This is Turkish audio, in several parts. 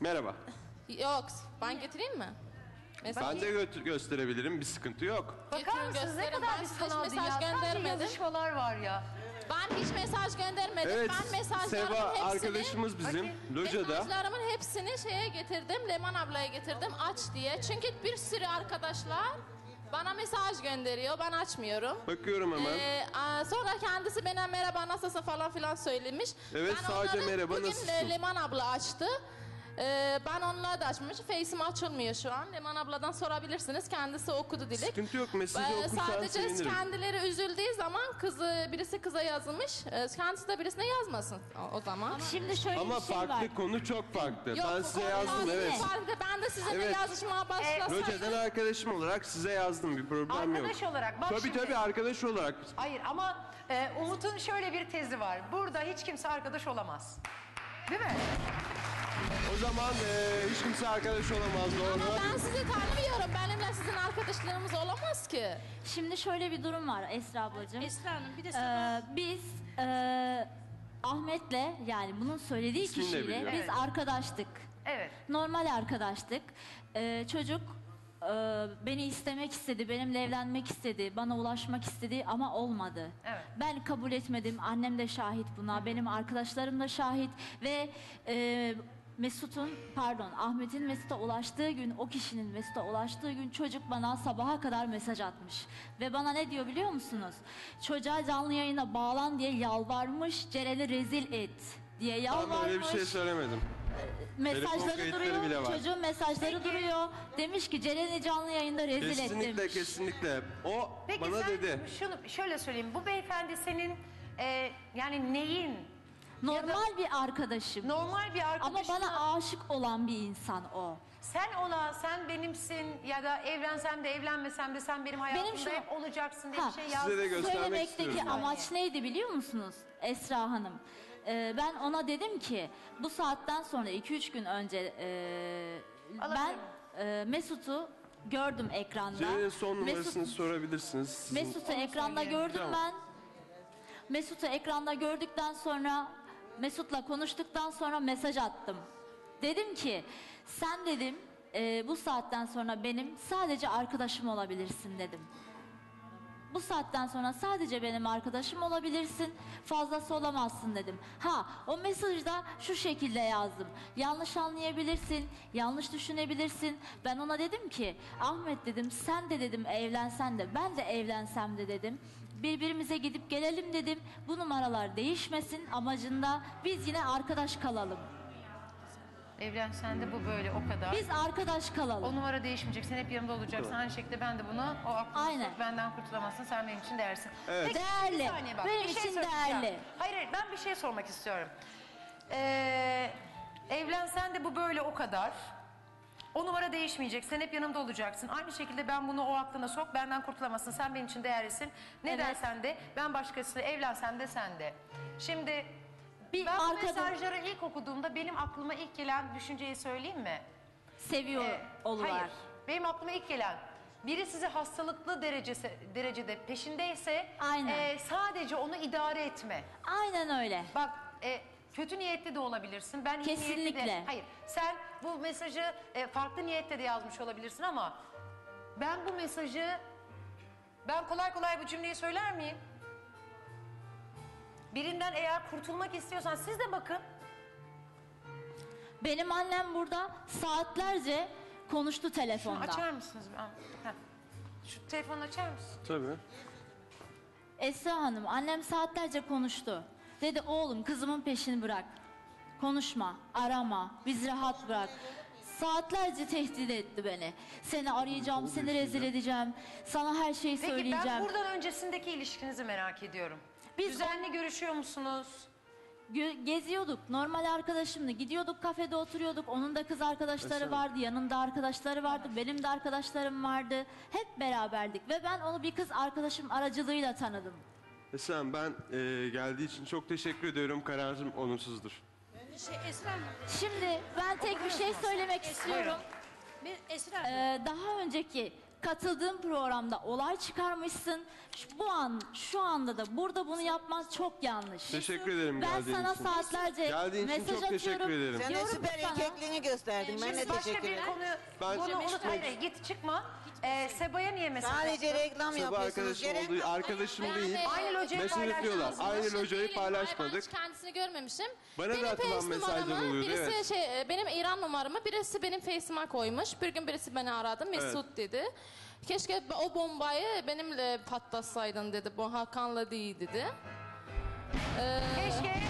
Merhaba. Yok, ben getireyim mi? Ben de gösterebilirim. Bir sıkıntı yok. Bakar mısınız ne kadar bir sanal dünya. Sadece yazışmalar var ya. Ben hiç mesaj göndermedim. Evet, Ben mesajlarımın Seva hepsini... arkadaşımız bizim. Locada. Mesajlarımın hepsini şeye getirdim. Leman ablaya getirdim aç diye. Çünkü bir sürü arkadaşlar bana mesaj gönderiyor. Ben açmıyorum. Bakıyorum hemen. Sonra kendisi bana merhaba nasılsın falan filan söylemiş. Evet, Ben sadece onları merhaba, bugün nasılsın? Leman abla açtı. Ben onunla da açmış. Face'im açılmıyor şu an. Leman abladan sorabilirsiniz. Kendisi okudu Dilek. Sıkıntı yok. Mesajı okursan Sadece sevinirim. kendileri üzüldüğü zaman birisi kıza yazmış. Kendisi de birisine yazmasın o zaman. Şimdi şöyle Ama bir şey var. farklı konu çok farklı. Yok, Ben bu size konu yazdım, farklı. evet. Farklı. Ben de sizinle Evet. yazışmaya başlasaydım. Loca'dan arkadaşım olarak size yazdım. Bir problem yok. Arkadaş olarak bak Tabii şimdi. tabii arkadaş olarak. Hayır ama Umut'un şöyle bir tezi var. Burada hiç kimse arkadaş olamaz. Değil mi? O zaman hiç kimse arkadaş olamaz, doğru. Ama ben sizi tanımıyorum. Benimle sizin arkadaşlarımız olamaz ki. Şimdi şöyle bir durum var Esra ablacığım. Esra Hanım bir de Biz Ahmet'le yani bunun söylediği İsmini de kişiyle biliyorum. biz arkadaştık. Evet. Normal arkadaştık. Çocuk beni istemek istedi, benimle evlenmek istedi, bana ulaşmak istedi ama olmadı. Evet. Ben kabul etmedim, annem de şahit buna, benim arkadaşlarım da şahit ve Ahmet'in Mesut'a ulaştığı gün, o kişinin Mesut'a ulaştığı gün çocuk bana sabaha kadar mesaj atmış. Ve bana ne diyor biliyor musunuz? Çocuğa canlı yayına bağlan diye yalvarmış, Ceren'i rezil et diye yalvarmış. Ben öyle bir şey söylemedim. Telefon Mesajları kayıtları duruyor, bile var. çocuğun mesajları duruyor. Demiş ki Ceren'i canlı yayında rezil et Kesinlikle demiş. kesinlikle. O Peki bana sen dedi. şunu şöyle söyleyeyim. Bu beyefendi senin yani neyin? Normal bir arkadaşım. Normal bir Ama arkadaşına... bana aşık olan bir insan o. Sen benimsin ya da evlensem de evlenmesem de sen benim hayatımda şu- hep olacaksın diye Ha, bir şey Size yazdın. de göstermek Söylemekteki istiyorum. amaç neydi biliyor musunuz Esra Hanım? Ben ona dedim ki bu saatten sonra 2-3 gün önce ben Mesut'u gördüm ekranda. Ceren'in son numarasını Mesut- sorabilirsiniz. Sizin- Mesut'u ekranda gördüm Tamam. ben. Mesut'u ekranda gördükten sonra Mesut'la konuştuktan sonra mesaj attım. Dedim ki sen dedim bu saatten sonra benim sadece arkadaşım olabilirsin dedim. Bu saatten sonra sadece benim arkadaşım olabilirsin, fazlası olamazsın dedim. O mesajda şu şekilde yazdım. Yanlış anlayabilirsin, yanlış düşünebilirsin. Ben ona dedim ki, Ahmet dedim, sen de dedim evlensen de, ben de evlensem de dedim. Birbirimize gidip gelelim dedim. Bu numaralar değişmesin amacında biz yine arkadaş kalalım. Evlensen de bu böyle o kadar. Biz arkadaş kalalım. O numara değişmeyecek. Sen hep yanımda olacaksın. Aynı şekilde ben de bunu o aklını Aynen. sok, benden kurtulamazsın. Sen benim için değersin. Evet. Peki, Değerli. bir saniye bak. Benim bir şey için söyleyeceğim. değerli. Hayır ben bir şey sormak istiyorum. Evlensen de bu böyle o kadar. O numara değişmeyecek. Sen hep yanımda olacaksın. Aynı şekilde ben bunu o aklına sok. Benden kurtulamazsın. Sen benim için değerlisin. Ne Evet. dersen de ben başkasıyla evlensen de sen de. Şimdi Bir ben bu arkada- mesajları ilk okuduğumda benim aklıma ilk gelen düşünceyi söyleyeyim mi? Seviyor olular. Hayır. Benim aklıma ilk gelen biri sizi hastalıklı derecede peşindeyse Aynen. sadece onu idare etme. Aynen öyle. Bak kötü niyetli de olabilirsin. Ben iyi niyetli de. Kesinlikle. Hayır. Sen bu mesajı farklı niyette de yazmış olabilirsin ama ben bu mesajı kolay kolay bu cümleyi söyler miyim? Birinden eğer kurtulmak istiyorsan siz de bakın. Benim annem burada saatlerce konuştu telefonda. Açar mısınız? Şu telefonu açar mısın? Tabii. Esra Hanım, annem saatlerce konuştu. Dedi oğlum kızımın peşini bırak. Konuşma, arama, bizi rahat bırak. Saatlerce tehdit etti beni. Seni arayacağım, seni rezil edeceğim. Sana her şeyi Peki söyleyeceğim. ben buradan öncesindeki ilişkinizi merak ediyorum. Biz Düzenli görüşüyor musunuz? Geziyorduk, normal arkadaşımla gidiyorduk, kafede oturuyorduk. Onun da kız arkadaşları vardı, yanında arkadaşları vardı, benim de arkadaşlarım vardı. Hep beraberdik ve ben onu bir kız arkadaşım aracılığıyla tanıdım. Esra ben geldiği için çok teşekkür ediyorum. Kararım olumsuzdur. Esra Hanım, Şimdi ben tek bir şey söylemek istiyorum. Esra Hanım. Daha önceki Katıldığın programda olay çıkarmışsın. Şu anda da burada bunu yapman çok yanlış. Teşekkür ederim Ben geldiğin sana için. saatlerce Geldiğin için mesaj çok teşekkür atıyorum. ederim. Sen de Diyorum süper sana. erkekliğini gösterdin. Ben de Şimdi başka teşekkür bir ederim. konuyu Ben- bunu unut. Hayır, git çıkma. Seba'ya niye mesaj Sadece attın? reklam Sabah yapıyorsunuz. arkadaşım Gerek olduğu arkadaşım Yani- değil. Aynı locayı Mesaj atıyorlar. paylaştınız mı? Aynı Şey locayı değilim, hayır, ben paylaşmadık. hiç kendisini görmemişim. Bana da Benim atılan Face mesajlar numaramı oluyordu, birisi evet. benim İran numaramı birisi benim Face'ime koymuş. Bir gün birisi beni aradı. Mesut dedi. Keşke o bombayı benimle patlatsaydın dedi. Bu Hakan'la değil dedi. Keşke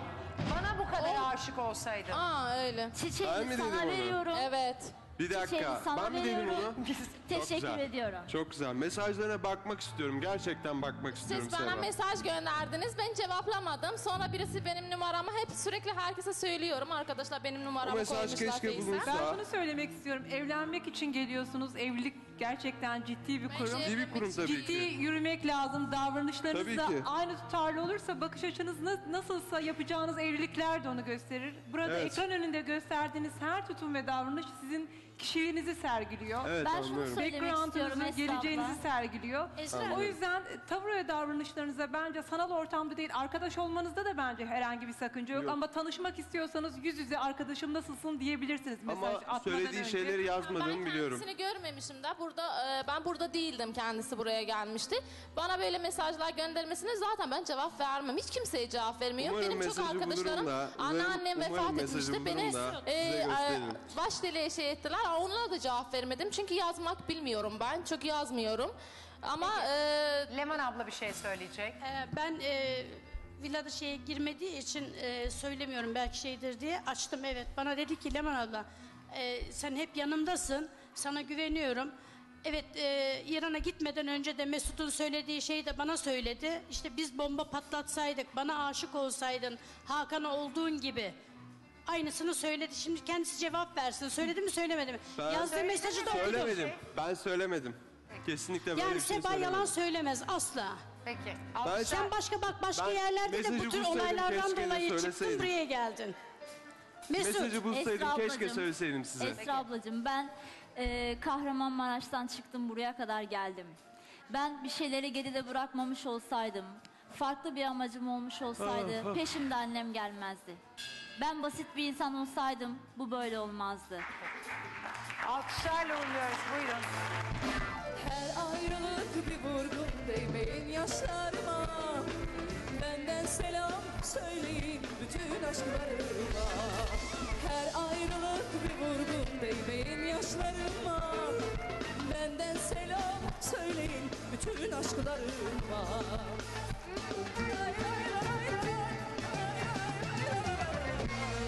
bana bu kadar aşık olsaydın. Öyle. Ben mi Çiçeğimi dedim sana onu? veriyorum. Evet. Bir dakika. Çiçeğimi sana Ben mi dedim veriyorum. onu? Çok Teşekkür güzel. ediyorum. Çok güzel. Mesajlarına bakmak istiyorum. Gerçekten bakmak istiyorum Siz bana Seva. mesaj gönderdiniz. Ben cevaplamadım. Sonra birisi benim numaramı hep sürekli herkese söylüyorum. Arkadaşlar benim O numaramı mesaj koymuşlar keşke Face'e. bulunsa. Ben şunu söylemek istiyorum. Evlenmek için geliyorsunuz. Evlilik gerçekten ciddi bir kurum. şey- İyi bir kurum tabii Ciddi ki. yürümek lazım. Davranışlarınız Tabii da ki. aynı tutarlı olursa bakış açınız nasılsa yapacağınız evlilikler de onu gösterir. Burada Evet. ekran önünde gösterdiğiniz her tutum ve davranış sizin kişiliğinizi sergiliyor. Evet, Ben şunu anlıyorum. söylemek istiyorum Background'ınızı, Esra geleceğinizi abla. sergiliyor. O yüzden tavır ve davranışlarınıza bence sanal ortamda değil, arkadaş olmanızda da bence herhangi bir sakınca yok. Yok. Ama tanışmak istiyorsanız yüz yüze arkadaşım nasılsın diyebilirsiniz mesaj Ama atmadan söylediği önce. şeyleri Ben yazmadığımı biliyorum. kendisini görmemişim de ben burada değildim, kendisi buraya gelmişti. Bana böyle mesajlar göndermesine zaten ben cevap vermem. Hiç kimseye cevap vermiyorum. Umarım Benim çok mesajı arkadaşlarım, bulurum da, anneannem umarım vefat mesajı etmişti. bulurum Beni da size gösteririm. baş deliğe şey ettiler. Onlara da cevap vermedim. Çünkü yazmak bilmiyorum ben. Çok yazmıyorum. Ama Leman abla bir şey söyleyecek. Ben villada şeye girmediği için söylemiyorum belki şeydir diye açtım evet. Bana dedi ki Leman abla sen hep yanımdasın sana güveniyorum. Evet İran'a gitmeden önce de Mesut'un söylediği şeyi de bana söyledi. İşte biz bomba patlatsaydık bana aşık olsaydın Hakan'a olduğun gibi. Aynısını söyledi. Şimdi kendisi cevap versin. Söyledi mi söylemedi mi? Ben- Yazdığı mesajı da okudu. Söylemedim. Ben söylemedim. Kesinlikle böyle Yani bir şey Seba söylemedim. yalan söylemez asla. Peki. Ben- Sen başka Ben yerlerde de bu mesajı tür bulsaydım, olaylardan keşke de dolayı çıktın söyleseydim. buraya geldin. Mesut. Mesajı bulsaydım Esra keşke ablacığım, söyleseydim size. Esra ablacığım ben Kahramanmaraş'tan çıktım buraya kadar geldim. Ben bir şeyleri geride bırakmamış olsaydım, farklı bir amacım olmuş olsaydı peşimde annem gelmezdi. Ben basit bir insan olsaydım bu böyle olmazdı. Alkışlarla uğurluyoruz. Buyurun. Her ayrılık bir vurgun değmeyin yaşlarıma. Benden selam söyleyin bütün aşklarıma. Her ayrılık bir vurgun değmeyin yaşlarıma. Benden selam söyleyin bütün aşklarıma. Lay lay lay lay, lay lay lay lay.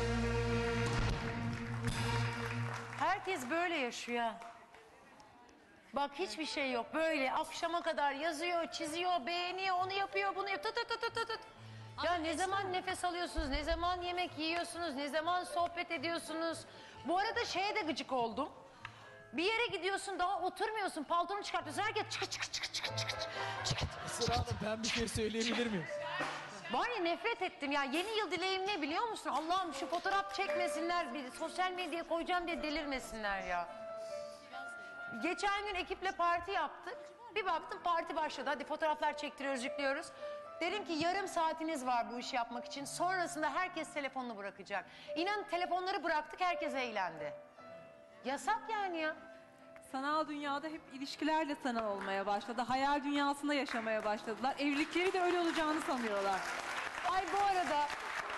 Herkes böyle yaşıyor. Bak hiçbir şey yok. Böyle akşama kadar yazıyor, çiziyor, beğeniyor, onu yapıyor, bunu yapıyor. Tut, tut, tut, tut, tut. Ya ne zaman nefes alıyorsunuz, ne zaman yemek yiyorsunuz, ne zaman sohbet ediyorsunuz. Bu arada şeye de gıcık oldum. Bir yere gidiyorsun daha oturmuyorsun, paltonu çıkartıyorsun. Herkes çıkı çıkı çıkı çıkı çıkı çıkı. Esra Hanım ben bir şey söyleyebilir miyim? Var ya nefret ettim ya. Yeni yıl dileğim ne biliyor musun? Allah'ım şu fotoğraf çekmesinler, bir sosyal medyaya koyacağım diye delirmesinler ya. Geçen gün ekiple parti yaptık. Bir baktım parti başladı. Hadi fotoğraflar çektiriyoruz, yüklüyoruz. Dedim ki yarım saatiniz var bu işi yapmak için. Sonrasında herkes telefonunu bırakacak. İnanın telefonları bıraktık, herkes eğlendi. Yasak yani ya. Sanal dünyada hep ilişkiler de sanal olmaya başladı. Hayal dünyasında yaşamaya başladılar. Evlilikleri de öyle olacağını sanıyorlar. Ay bu arada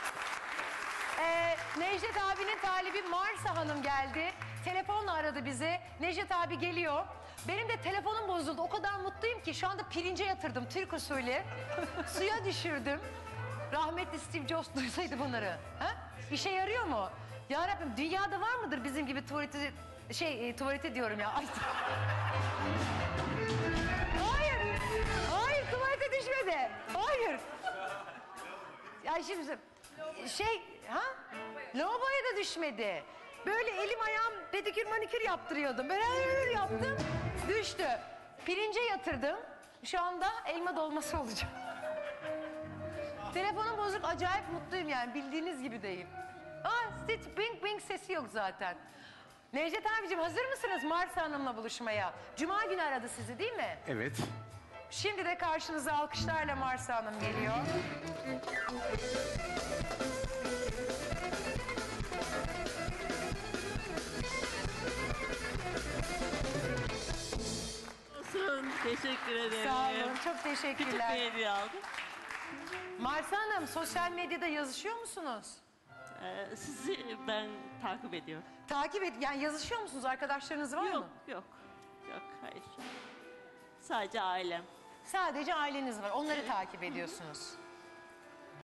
Necdet abinin talibi Marsa Hanım geldi. Telefonla aradı bizi. Necdet abi geliyor. Benim de telefonum bozuldu. O kadar mutluyum ki şu anda pirince yatırdım Türk usulü. Suya düşürdüm. Rahmetli Steve Jobs duysaydı bunları. Ha? İşe yarıyor mu? Ya Rabbim dünyada var mıdır bizim gibi tuvaleti diyorum ya. Ay. Hayır. Hayır tuvalete düşmedi. Hayır. Ya şimdi lavaboya da düşmedi. Böyle elim ayağım pedikür manikür yaptırıyordum. Böyle yaptım, düştü. Pirince yatırdım. Şu anda elma dolması olacak. Telefonum bozuk, acayip mutluyum yani. Bildiğiniz gibi deyim. Bing bing sesi yok zaten. Necdet abicim hazır mısınız Marsa Hanım'la buluşmaya? Cuma günü aradı sizi değil mi? Evet. Şimdi de karşınıza alkışlarla Marsa Hanım geliyor. Olsun. Teşekkür ederim. Sağ olun, çok Küçük bir teşekkürler. hediye aldım. Marsa Hanım, sosyal medyada yazışıyor musunuz? Sizi ben takip ediyorum. Takip et, yani yazışıyor musunuz? Arkadaşlarınız var Yok, mı? yok. Yok, hayır. Sadece ailem. Sadece aileniz var, onları takip ediyorsunuz.